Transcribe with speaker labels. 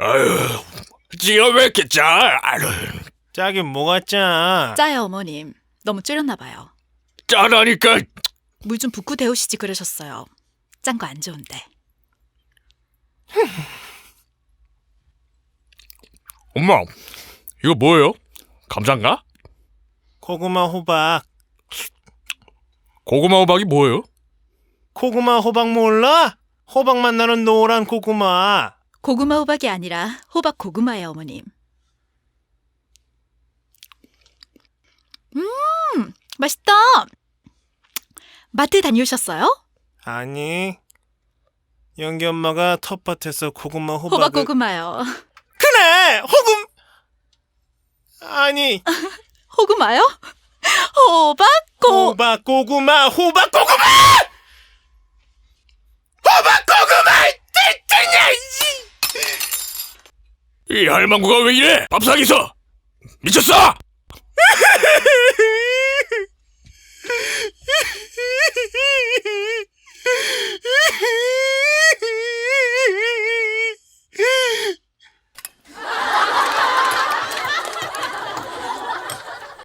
Speaker 1: 아유, 지가 왜 이렇게 짜? 아유,
Speaker 2: 짜긴 뭐가 짜?
Speaker 3: 짜요, 어머님. 너무 줄였나 봐요.
Speaker 1: 짜라니까.
Speaker 3: 물 좀 붓고 데우시지 그러셨어요. 짠 거 안 좋은데.
Speaker 1: 엄마, 이거 뭐예요? 감자인가?
Speaker 2: 고구마 호박.
Speaker 1: 고구마 호박이 뭐예요?
Speaker 2: 고구마 호박 몰라? 호박맛 나는 노란 고구마.
Speaker 3: 고구마 호박이 아니라 호박 고구마예요, 어머님. 맛있다. 마트 다녀오셨어요?
Speaker 2: 아니, 연기 엄마가 텃밭에서 고구마 호박을...
Speaker 3: 호박 고구마요.
Speaker 2: 그래! 아니,
Speaker 3: 호구마요? 호박
Speaker 2: 호박 고구마! 호박 고구마! 호박 고구마!
Speaker 1: 이 할망구가 왜 이래? 밥상에서 미쳤어?